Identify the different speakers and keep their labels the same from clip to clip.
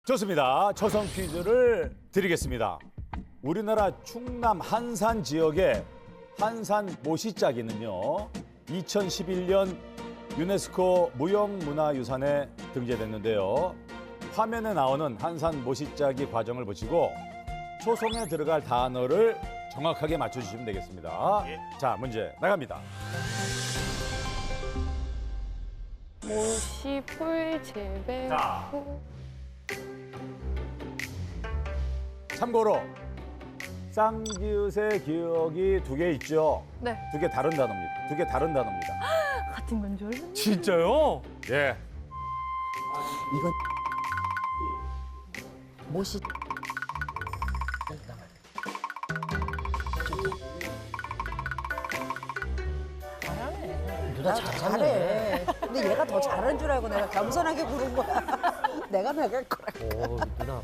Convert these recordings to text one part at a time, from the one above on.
Speaker 1: 좋습니다. 초성 퀴즈를 드리겠습니다. 우리나라 충남 한산 지역의 한산 모시짜기는요, 2011년 유네스코 무형문화유산에 등재됐는데요. 화면에 나오는 한산 모시짜기 과정을 보시고 초성에 들어갈 단어를 정확하게 맞춰주시면 되겠습니다. 자, 문제 나갑니다.
Speaker 2: 모시, 풀, 재배,
Speaker 1: 자.
Speaker 2: 후.
Speaker 1: 참고로 쌍기읒의 기억이 두 개 있죠.
Speaker 2: 네.
Speaker 1: 두 개 다른 단어입니다. 두 개 다른 단어입니다.
Speaker 2: 같은 건 줄 알았는데.
Speaker 3: 진짜요?
Speaker 1: 예.
Speaker 4: 이건 모시
Speaker 5: 누나 잘해. 근데 얘가 더 잘하는 줄 알고 내가 겸손하게 부른 거야. 내가 나갈 거라.
Speaker 3: 오, 누나.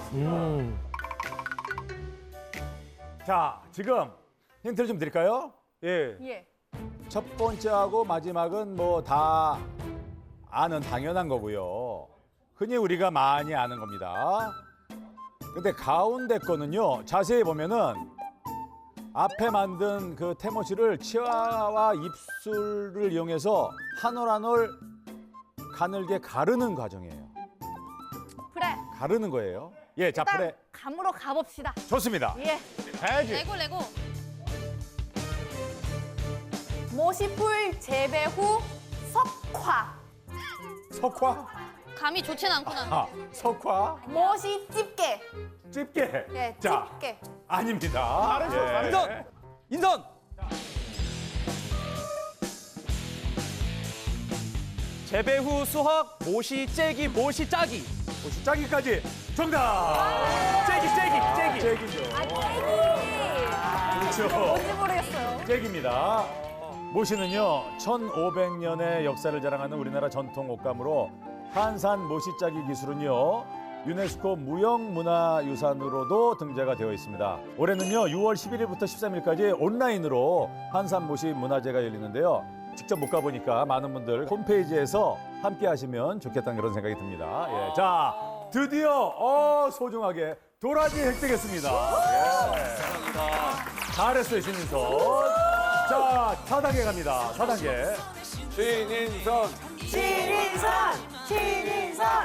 Speaker 1: 자, 지금 힌트를 좀 드릴까요? 예.
Speaker 2: 예.
Speaker 1: 첫 번째하고 마지막은 뭐 다 아는 당연한 거고요. 흔히 우리가 많이 아는 겁니다. 근데 가운데 거는요, 자세히 보면은 앞에 만든 그 태모치를 치아와 입술을 이용해서 한 올 한 올 가늘게 가르는 과정이에요.
Speaker 2: 그래.
Speaker 1: 가르는 거예요. 예, 자, 프레.
Speaker 2: 감으로 가봅시다.
Speaker 1: 좋습니다.
Speaker 2: 예.
Speaker 1: 가야지.
Speaker 6: 레고.
Speaker 2: 모시풀 재배 후 석화.
Speaker 1: 석화?
Speaker 6: 감이 좋진 않구나.
Speaker 1: 아, 석화?
Speaker 2: 모시 집게.
Speaker 1: 집게.
Speaker 2: 예,
Speaker 1: 자,
Speaker 2: 집게.
Speaker 1: 아닙니다. 예.
Speaker 3: 인선! 인선! 재배 후 수확, 모시, 째기, 모시, 짜기.
Speaker 1: 혹시 짜기까지 정답!
Speaker 3: 째기.
Speaker 1: 잭이죠. 그렇죠.
Speaker 2: 뭔지 모르겠어요.
Speaker 1: 잭입니다. 모시는요, 1500년의 역사를 자랑하는 우리나라 전통 옷감으로 한산 모시짜기 기술은요, 유네스코 무형문화유산으로도 등재가 되어 있습니다. 올해는요, 6월 11일부터 13일까지 온라인으로 한산 모시 문화제가 열리는데요. 직접 못 가보니까 많은 분들 홈페이지에서 함께 하시면 좋겠다는 그런 생각이 듭니다. 예. 자, 드디어 소중하게 도라지 획득했습니다. 예. 잘했어요, 신인선. 자, 4단계 갑니다. 4단계.
Speaker 7: 신인선
Speaker 5: 신인선! 신인선!